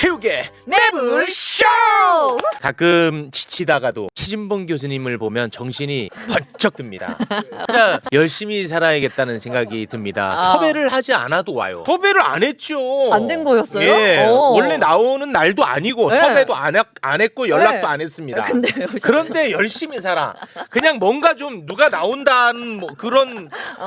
체육의 매불쇼! 가끔 지치다가도 최진봉 교수님을 보면 정신이 번쩍 듭니다. 진짜 열심히 살아야겠다는 생각이 듭니다. 섭외를 하지 않아도 와요. 섭외를 안 했죠. 안 된 거였어요? 예, 원래 나오는 날도 아니고 네. 섭외도 안 했고 연락도 네. 안 했습니다. 근데요, 그런데 열심히 살아. 그냥 뭔가 좀 누가 나온다는 뭐 그런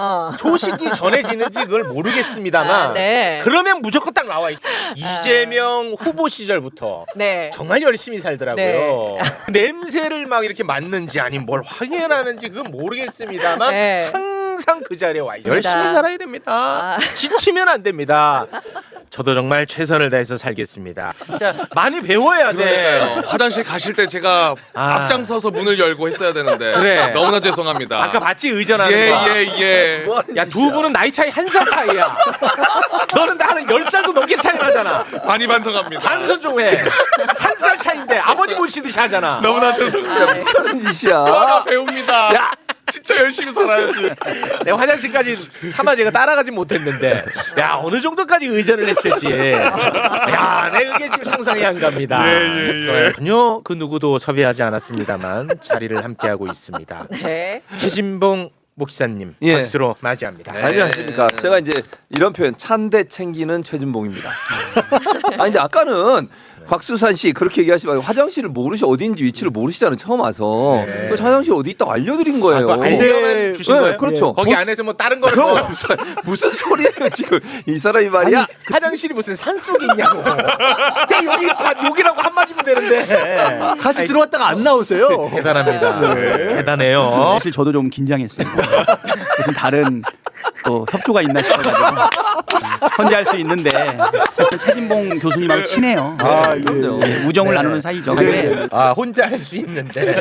소식이 전해지는지 그걸 모르겠습니다만 네. 그러면 무조건 딱 나와 있어요. 이재명 후보 시절부터 네. 정말 열심히 살더라고요. 네. 냄새를 막 이렇게 맡는지 아니면 뭘 확인하는지 그건 모르겠습니다만 네. 항상 그 자리에 와 있어요. 맞습니다. 열심히 살아야 됩니다. 지치면 안 됩니다. 저도 정말 최선을 다해서 살겠습니다. 진짜 많이 배워야 돼. 그러니까요. 화장실 가실 때 제가 앞장서서 문을 열고 했어야 되는데 그래. 너무나 죄송합니다. 아까 봤지 의전하는 거. 예. 야, 두 분은 나이 차이 1살 차이야. 너는 나는 10살도 넘게 차이 나잖아. 많이 반성합니다. 반성 좀 해. 1살 차이인데 아버지 모시듯이 하잖아. 너무나 죄송합니다. 그런 짓이야. 하나 배웁니다. 야, 진짜 열심히 살아야지. 내가 화장실까지 차마 제가 따라가지 못했는데 야, 어느 정도까지 의전을 했을지. 야, 내 그게 지금 상상이 안 갑니다. 예. 전혀 그 누구도 섭외하지 않았습니다만 자리를 함께하고 있습니다. 네. 최진봉 목사님 예. 박수로 맞이합니다. 안녕하십니까. 제가 이제 이런 표현 찬대 챙기는 최진봉입니다. 아니 근데 아까는 곽수산 씨 그렇게 얘기하시면 화장실을 어디인지 위치를 모르시잖아요. 처음 와서. 네. 그래서 화장실 어디 있다고 알려드린 거예요. 알려면 주신 네, 거예요? 그렇죠. 거기 안에서 뭐 다른 거를 그럼 뭐 무슨 소리예요 지금 이 사람이 말이야. 아니, 화장실이 무슨 산 속에 있냐고. 그냥 여기 다 여기라고 한마디면 되는데. 같이 들어왔다가 안 나오세요. 대단합니다. 대단해요. 사실 저도 좀 긴장했습니다. 무슨 다른 또 협조가 있나 싶어가지고 혼자 할 수 있는데 최진봉 교수님하고 친해요. 그럼요. 우정을 나누는 사이죠. 근데 아, 혼자 할 수 있는데.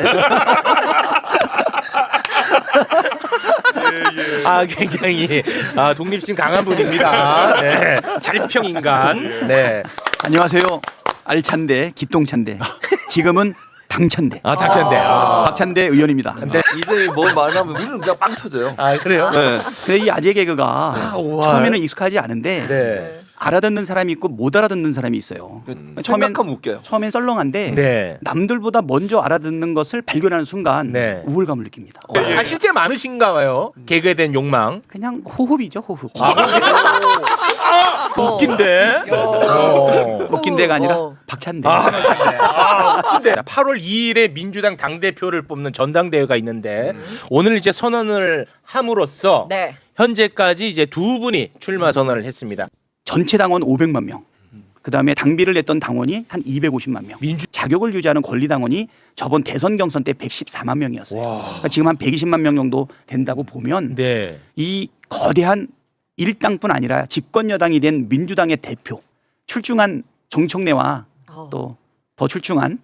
아, 굉장히 독립심 강한 분입니다. 네. 자립형 인간. 네. 안녕하세요. 알찬대 기똥찬대 지금은 당찬대 당찬대. 박찬대 의원입니다. 네. 이제 뭐 말하면 우리는 그냥 빵 터져요. 아, 그래요? 네. 근데 이 아재 개그가 우와. 처음에는 익숙하지 않은데 네. 알아듣는 사람이 있고 못 알아듣는 사람이 있어요. 생각하면 웃겨요. 처음엔 썰렁한데 네. 남들보다 먼저 알아듣는 것을 발견하는 순간 네. 우울감을 느낍니다. 아, 실제 많으신가 봐요. 개그에 대한 욕망. 그냥 호흡이죠, 호흡. 웃긴데. 웃긴 데가 아니라 어. 박찬대. 근데 8월 2일에 민주당 당대표를 뽑는 전당대회가 있는데 오늘 이제 선언을 함으로써 네. 현재까지 이제 두 분이 출마 선언을 했습니다. 전체 당원 500만 명. 그다음에 당비를 냈던 당원이 한 250만 명. 자격을 유지하는 권리 당원이 저번 대선 경선 때 114만 명이었어요. 그러니까 지금 한 120만 명 정도 된다고 보면 네. 이 거대한 일당뿐 아니라 집권 여당이 된 민주당의 대표 출중한 정청래와 또 더 출중한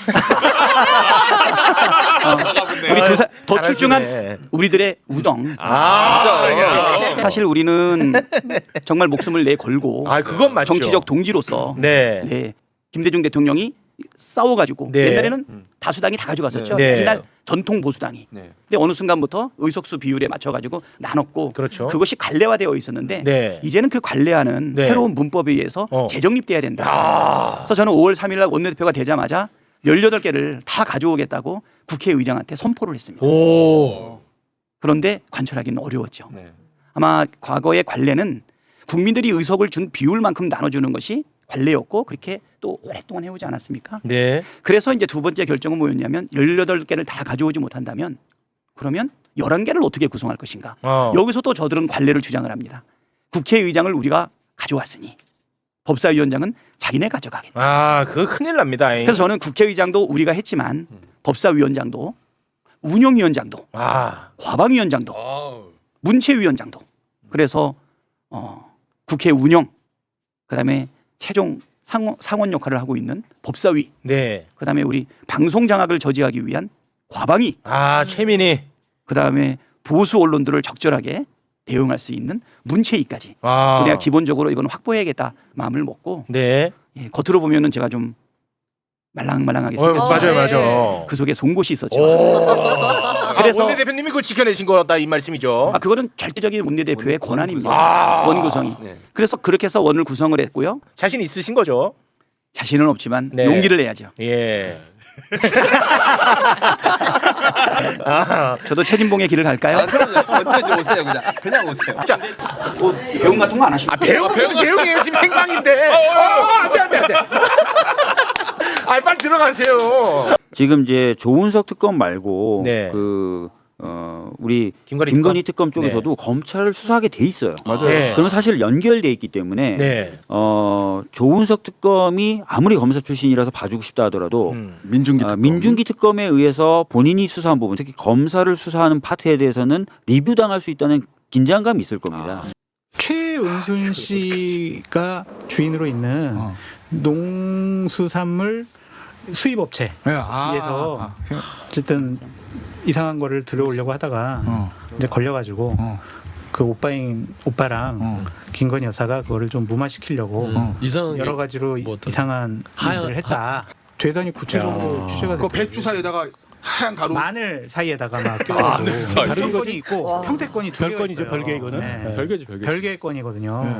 우리 더 출중한 우리들의 우정. 사실 우리는 정말 목숨을 내걸고 그건 맞죠. 정치적 동지로서 네. 김대중 대통령이 싸워가지고 네. 옛날에는 다수당이 다 가져갔었죠. 네. 옛날 전통 보수당이. 네. 근데 어느 순간부터 의석수 비율에 맞춰가지고 나눴고 그렇죠. 그것이 관례화되어 있었는데 네. 이제는 그 관례화는 네. 새로운 문법에 의해서 재정립돼야 된다. 그래서 저는 5월 3일 날 원내대표가 되자마자 18개를 다 가져오겠다고 국회의장한테 선포를 했습니다. 오. 그런데 관철하기는 어려웠죠. 네. 아마 과거의 관례는 국민들이 의석을 준 비율만큼 나눠주는 것이 관례였고 그렇게 또 오랫동안 해오지 않았습니까? 네. 그래서 이제 두 번째 결정은 뭐였냐면 18개를 다 가져오지 못한다면 그러면 11개를 어떻게 구성할 것인가. 여기서 또 저들은 관례를 주장을 합니다. 국회의장을 우리가 가져왔으니 법사위원장은 자기네 가져가겠다. 그거 큰일 납니다. 그래서 저는 국회의장도 우리가 했지만 법사위원장도 운영위원장도 과방위원장도 문체위원장도 그래서 국회 운영 그다음에 최종 상원 역할을 하고 있는 법사위 네. 그다음에 우리 방송 장악을 저지하기 위한 과방위 최민희. 그다음에 보수 언론들을 적절하게 대응할 수 있는 문체위까지 우리가 기본적으로 이건 확보해야겠다 마음을 먹고 네. 겉으로 보면은 제가 좀 말랑말랑하게 맞아요, 생겼지만 맞아요. 그 속에 송곳이 있었죠. 그래서 원내대표님이 그걸 지켜내신 거다 이 말씀이죠. 그거는 절대적인 원내대표의 권한입니다. 원 구성이. 네. 그래서 그렇게 해서 원을 구성을 했고요. 자신 있으신 거죠? 자신은 없지만 네. 용기를 내야죠. 예. 아, 저도 최진봉의 길을 갈까요? 언제든지 오세요 그냥 오세요. 자, 뭐 배움 같은 거 안 하시고. 배우이에요 지금 생방인데. 안돼. 아, 빨리 들어가세요. 지금 이제 조은석 특검 말고 네. 우리 김건희 특검 쪽에서도 검찰을 수사하게 돼 있어요. 맞아요. 네. 그건 사실 연결돼 있기 때문에 네. 조은석 특검이 아무리 검사 출신이라서 봐주고 싶다 하더라도 민중기 특검. 민중기 특검에 의해서 본인이 수사한 부분, 특히 검사를 수사하는 파트에 대해서는 리뷰당할 수 있다는 긴장감이 있을 겁니다. 최은순 씨가 주인으로 있는 농수산물 수입업체에서 어쨌든 이상한 거를 들어오려고 하다가 이제 걸려가지고 그 오빠랑 김건희 여사가 그거를 좀 무마시키려고 여러 가지로 이상한 일을 했다. 대단히 구체적으로 취재가 그 됐고 배추 사이에다가 하얀 가루. 마늘 사이에다가 막 껴가지고 다른 건이 있고 와. 형태건이 두 개가 있어요. 별개 이거는? 네. 별개지. 별개의 건이거든요.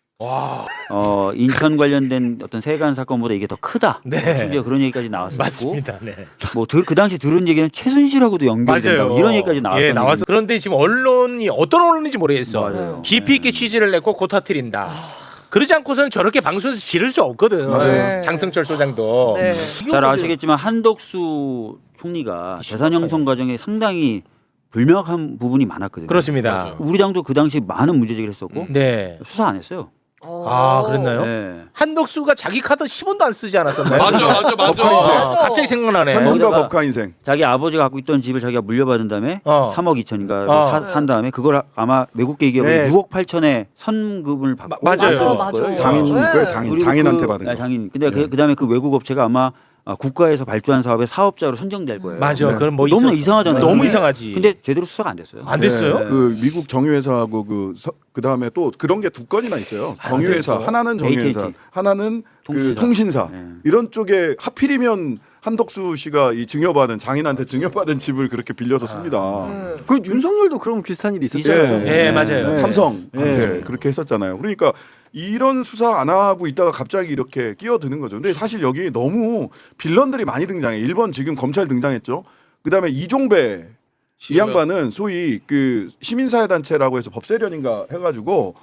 인천 관련된 어떤 세관 사건보다 이게 더 크다. 네. 심지어 그런 얘기까지 나왔었고, 맞습니다. 네. 그 당시 들은 얘기는 최순실하고도 연결된다. 맞아요. 이런 얘기까지 나왔어요. 예, 나와서 그런데 지금 언론이 어떤 언론인지 모르겠어. 맞아요. 깊이 있게 취재를 했고 고 터뜨린다. 그러지 않고서는 저렇게 방송에서 지를 수 없거든. 맞아요. 장성철 소장도. 네. 잘 아시겠지만 한덕수 총리가 재산 형성 과정에 상당히 불명확한 부분이 많았거든요. 그렇습니다. 우리 당도 그 당시 많은 문제 제기를 했었고 네. 수사 안 했어요. 아, 그랬나요? 네. 한덕수가 자기 카드 10원도 안 쓰지 않았었나요? 맞아. 아, 갑자기 생각나네. 현금과 거기다가 법카 인생. 자기 아버지가 갖고 있던 집을 자기가 물려받은 다음에 3억 2천인가 산 다음에 그걸 아마 외국계 기업이 네. 6억 8천에 선금을 받고 맞아요. 맞아. 장인 네. 그 장인 그리고 장인한테 받은 거. 장인. 근데 그다음에 그 외국 업체가 아마 국가에서 발주한 사업의 사업자로 선정될 거예요. 맞아. 네. 그럼 뭐 너무 있었어. 이상하잖아요. 너무 근데- 이상하지. 근데 제대로 수사가 안 됐어요. 안 됐어요? 네. 그 미국 정유회사하고 그 다음에 또 그런 게 두 건이나 있어요. 정유회사 하나는 정유회사, AT&T. 하나는 그 통신사. 통신사. 네. 이런 쪽에 하필이면 한덕수 씨가 이 증여받은 장인한테 증여받은 집을 그렇게 빌려서 씁니다. 그 윤석열도 그런 비슷한 일이 있었죠. 예, 맞아요. 네. 삼성한테 그렇게 했었잖아요. 그러니까 이런 수사 안 하고 있다가 갑자기 이렇게 끼어드는 거죠. 근데 사실 여기 너무 빌런들이 많이 등장해. 1번 지금 검찰 등장했죠. 그다음에 이종배 이 양반은 소위 그 시민사회단체라고 해서 법세련인가 해가지고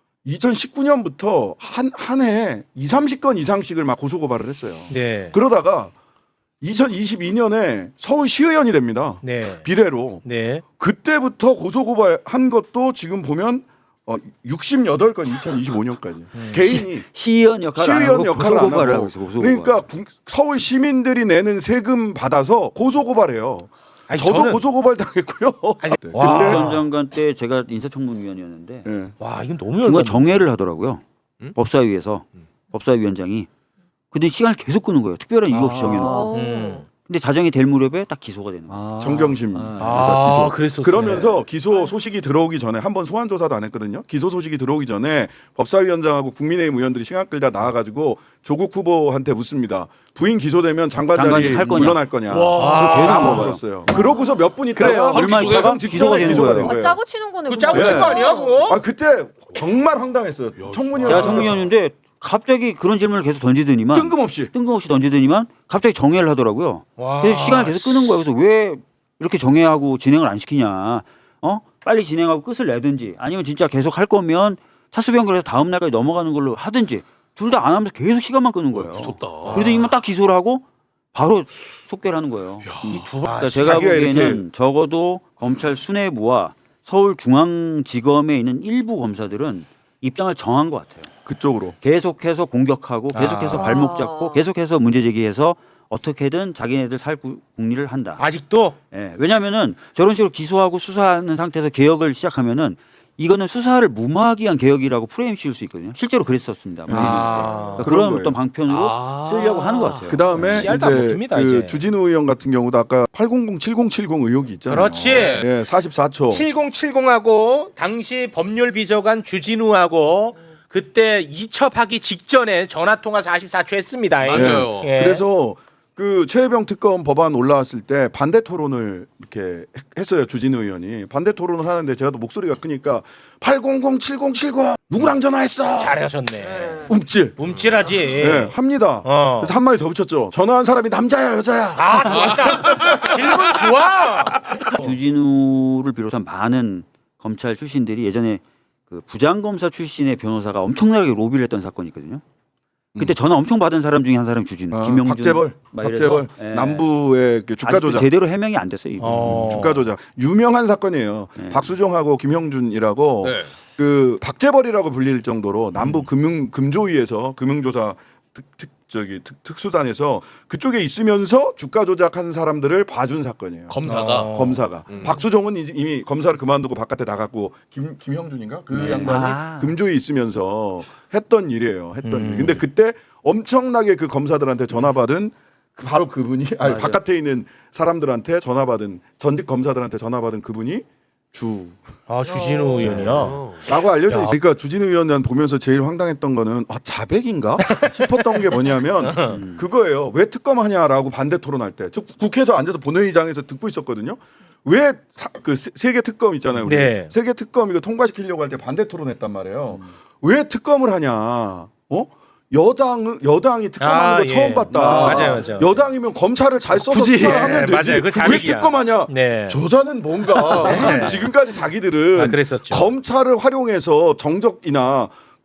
2019년부터 한 해 20-30건 이상씩을 막 고소고발을 했어요. 네. 그러다가 2022년에 서울시의원이 됩니다. 네. 비례로. 네. 그때부터 고소고발한 것도 지금 보면 68건 2025년까지 개인이 시의원 역할을 안 하고 역할을 안 고소고발을 하고 하고 있어요. 고소고발. 그러니까 서울 시민들이 내는 세금 받아서 고소고발해요. 아니, 저도 저는- 고소고발 당했고요. 아니, 네. 와. 근데 전 장관 때 제가 인사청문위원이었는데 네. 와, 이건 너무 중간 열받네. 정회를 하더라고요. 법사위에서 법사위원장이. 근데 시간을 계속 끄는 거예요. 특별한 이유 없이 정해놓고. 근데 자정이 될 무렵에 딱 기소가 되는 거예요. 정경심 아, 기소. 그랬었어요. 그러면서 기소 소식이 들어오기 전에 한번 소환 조사도 안 했거든요. 기소 소식이 들어오기 전에 법사위원장하고 국민의힘 의원들이 시간 끌다 나와가지고 조국 후보한테 묻습니다. 부인 기소되면 장관 장관이 자리 할 거냐? 물러날 거냐? 와. 계속 다 물어봐요. 물어봤어요. 그러고서 몇 분 있다가 얼마 있다가 가정 기소가 직전에 되는 기소가 된 거예요. 거예요. 짜고 치는 거네. 그 짜고 친 거 아니야, 그거? 아 그때 정말 황당했어요. 청문회에서 제가 청문위원인데 갑자기 그런 질문을 계속 던지더니만 뜬금없이 던지더니만 갑자기 정회를 하더라고요. 와. 그래서 시간을 계속 끄는 거예요. 그래서 왜 이렇게 정회하고 진행을 안 시키냐? 빨리 진행하고 끝을 내든지 아니면 진짜 계속 할 거면 차수변결해서 다음 날까지 넘어가는 걸로 하든지 둘 다 안 하면서 계속 시간만 끄는 거예요. 무섭다. 그러더니만 딱 기소를 하고 바로 속결 하는 거예요. 그러니까 제가 자기가 보기에는 이렇게- 적어도 검찰 수뇌부와 서울중앙지검에 있는 일부 검사들은 입장을 정한 것 같아요. 그쪽으로. 계속해서 공격하고 계속해서 아. 발목 잡고 계속해서 문제 제기해서 어떻게든 자기네들 살 국리를 한다. 아직도 예, 왜냐하면은 저런 식으로 기소하고 수사하는 상태에서 개혁을 시작하면은 이거는 수사를 무마하기 위한 개혁이라고 프레임 씌울 수 있거든요. 실제로 그랬었습니다. 아. 그러니까 그런 그런 거예요. 어떤 방편으로 쓰려고 하는 것 같아요. 그 다음에 씨알도 안 이제 먹힙니다, 그 이제. 주진우 의원 같은 경우도 아까 800-7070 의혹이 있잖아요. 그렇지. 예, 44초. 7070하고 당시 법률 비서관 주진우하고 그때 이첩하기 직전에 전화 통화 44초 했습니다. 맞아요. 예. 그래서 그 최혜병 특검 법안 올라왔을 때 반대 토론을 이렇게 했어요. 주진우 의원이 반대 토론을 하는데 제가 또 목소리가 크니까 800-7070 누구랑 전화했어? 잘하셨네. 움찔. 움찔하지. 네, 합니다. 어. 그래서 한 마디 더 붙였죠. 전화한 사람이 남자야 여자야. 아 좋았다. 질문 좋아. 주진우를 비롯한 많은 검찰 출신들이 예전에 그 부장검사 출신의 변호사가 엄청나게 로비를 했던 사건이 있거든요. 그때 전화 엄청 받은 사람 중에 한 사람이 주진우, 김영준, 박재벌, 막 이래서, 박재벌 예. 남부의 그 주가 아직도 조작. 제대로 해명이 안 됐어요. 이거. 주가 조작 유명한 사건이에요. 네. 박수종하고 김형준이라고 네. 그 박재벌이라고 불릴 정도로 남부 금조위에서 금융조사 특수단에서 그쪽에 있으면서 주가 조작한 사람들을 봐준 사건이에요. 검사가 검사가 박수종은 이미 검사를 그만두고 바깥에 나갔고 김형준인가 그 네. 양반이 금조위에 있으면서 했던 일이에요. 했던 일. 근데 그때 엄청나게 그 검사들한테 전화 받은 바로 그분이 아니 맞아요. 바깥에 있는 사람들한테 전화 받은 전직 검사들한테 전화 받은 그분이 주진우 의원이요. 라고 알려져 있어요. 그러니까 주진우 의원 보면서 제일 황당했던 거는 자백인가 싶었던 게 뭐냐면 그거예요. 왜 특검하냐라고 반대 토론할 때 저 국회에서 앉아서 본회의장에서 듣고 있었거든요. 왜 그 세계 특검 있잖아요. 우리. 네. 세계 특검 이거 통과시키려고 할 때 반대 토론했단 말이에요. 왜 특검을 하냐? 여당이 특검하는 거 예. 처음 봤다. 맞아요. 여당이면 검찰을 잘 써서 굳이. 수사하면 되지. 맞아요. 그 왜 자백이야. 특검하냐? 네. 저자는 뭔가 네. 지금까지 자기들은 그랬었죠. 검찰을 활용해서 정적이나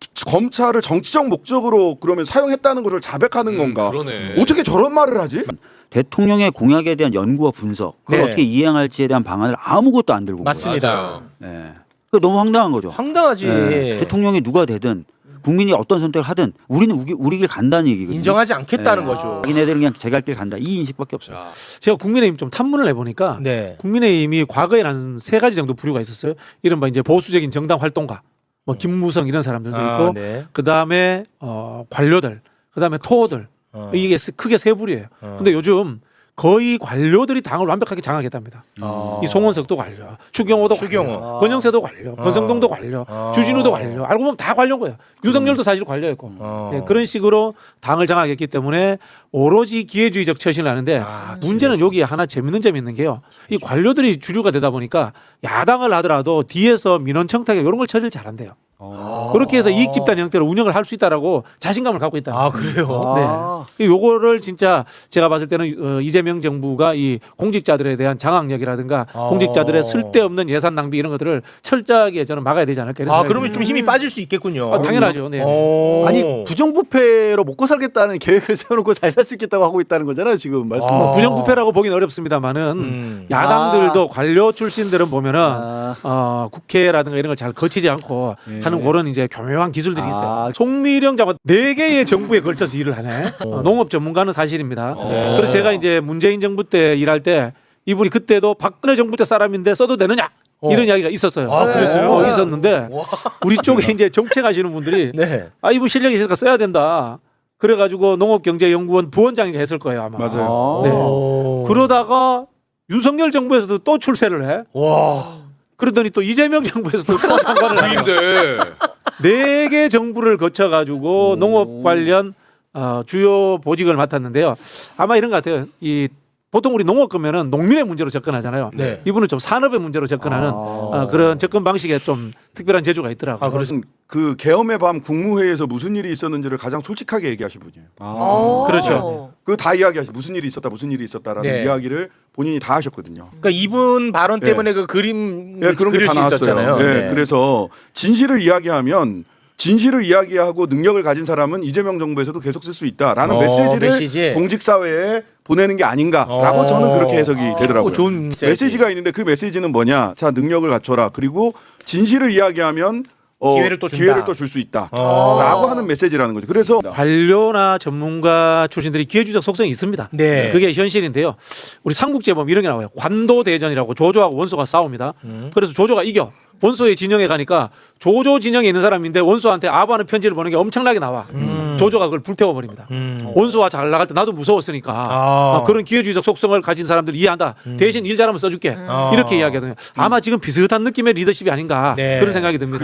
검찰을 정치적 목적으로 그러면 사용했다는 것을 자백하는 건가? 그러네. 어떻게 저런 말을 하지? 대통령의 공약에 대한 연구와 분석, 그걸 네. 어떻게 이행할지에 대한 방안을 아무것도 안 들고 온 거예요. 맞습니다. 예. 그 너무 황당한 거죠. 황당하지. 예. 대통령이 누가 되든 국민이 어떤 선택을 하든 우리는 우리 길 간다는 얘기거든요. 인정하지 않겠다는 예. 거죠. 자기네들은 그냥 제 갈 길 간다. 이 인식밖에 없어요. 제가 국민의힘 좀 탐문을 해보니까 네. 국민의힘이 과거에 한 3가지 정도 부류가 있었어요. 이른바 이제 보수적인 정당 활동가, 뭐 김무성 이런 사람들도 있고, 네. 그 다음에 관료들, 그 다음에 토호들. 이게 크게 3부류예요. 근데 요즘 거의 관료들이 당을 완벽하게 장악했답니다. 이 송원석도 관료, 추경호도 관료, 권영세도 관료, 권성동도 관료, 주진우도 관료. 알고 보면 다 관료인 거예요. 윤석열도 사실 관료였고. 예, 그런 식으로 당을 장악했기 때문에 오로지 기회주의적 처신을 하는데 문제는 여기 하나 재밌는 점이 있는 게요. 이 관료들이 주류가 되다 보니까 야당을 하더라도 뒤에서 민원 청탁 이런 걸 처리를 잘한대요. 그렇게 해서 이익 집단 형태로 운영을 할 수 있다라고 자신감을 갖고 있다. 그래요? 네. 요거를 진짜 제가 봤을 때는 이재명 정부가 이 공직자들에 대한 장악력이라든가 공직자들의 쓸데없는 예산 낭비 이런 것들을 철저하게 저는 막아야 되지 않을까. 이런 생각이 그러면 좀 힘이 빠질 수 있겠군요. 당연하죠. 네. 아니 부정부패로 먹고 살겠다는 계획을 세워놓고 잘 살 수 있겠다고 하고 있다는 거잖아요 지금 말씀. 뭐 부정부패라고 보기는 어렵습니다만은 야당들도 관료 출신들은 보면은 국회라든가 이런 걸 잘 거치지 않고 하는 그런 이제 교묘한 기술들이 있어요. 송미령 장관 4개의 정부에 걸쳐서 일을 하네. 농업 전문가는 사실입니다. 그래서 제가 이제 문재인 정부 때 일할 때 이분이 그때도 박근혜 정부 때 사람인데 써도 되느냐 이런 이야기가 있었어요. 그랬어요? 있었는데 우리 쪽에 이제 정책하시는 분들이 네. 이분 실력이 있으니까 써야 된다. 그래가지고 농업경제연구원 부원장이 했을 거예요 아마. 맞아요. 네. 그러다가 윤석열 정부에서도 또 출세를 해. 와. 그러더니 또 이재명 정부에서도 또 장관을 해요. 근데 4개 정부를 거쳐가지고 농업 관련 주요 보직을 맡았는데요. 아마 이런 것 같아요. 보통 우리 농업 그러면은 농민의 문제로 접근하잖아요. 네. 이분은 좀 산업의 문제로 접근하는 그런 접근 방식에 좀 특별한 재주가 있더라고요. 무슨 그 계엄의 밤 국무회의에서 무슨 일이 있었는지를 가장 솔직하게 얘기하신 분이에요. 그렇죠. 그 다 이야기하시 무슨 일이 있었다라는 네. 이야기를 본인이 다 하셨거든요. 그러니까 이분 발언 예. 때문에 그 그림 예, 그런 게 그릴 다 수 나왔어요. 있었잖아요. 예, 네. 그래서 진실을 이야기하고 능력을 가진 사람은 이재명 정부에서도 계속 쓸 수 있다라는 메시지를 메시지. 공직 사회에 보내는 게 아닌가라고 저는 그렇게 해석이 되더라고요. 좋은 메시지가 있는데 그 메시지는 뭐냐? 자, 능력을 갖춰라. 그리고 진실을 이야기하면 기회를 또 준다. 줄 수 있다라고 하는 메시지라는 거죠. 그래서 관료나 전문가 출신들이 기회주의적 속성이 있습니다. 네. 그게 현실인데요. 우리 삼국제보면 이런 게 나와요. 관도대전이라고 조조하고 원소가 싸웁니다. 그래서 조조가 이겨. 원소의 진영에 가니까 조조 진영에 있는 사람인데 원소한테 아부하는 편지를 보는 게 엄청나게 나와. 조조가 그걸 불태워버립니다. 원소와 잘 나갈 때 나도 무서웠으니까 그런 기회주의적 속성을 가진 사람들 이해한다. 대신 일 잘하면 써줄게. 이렇게 이야기하거든요. 아마 지금 비슷한 느낌의 리더십이 아닌가 네. 그런 생각이 듭니다.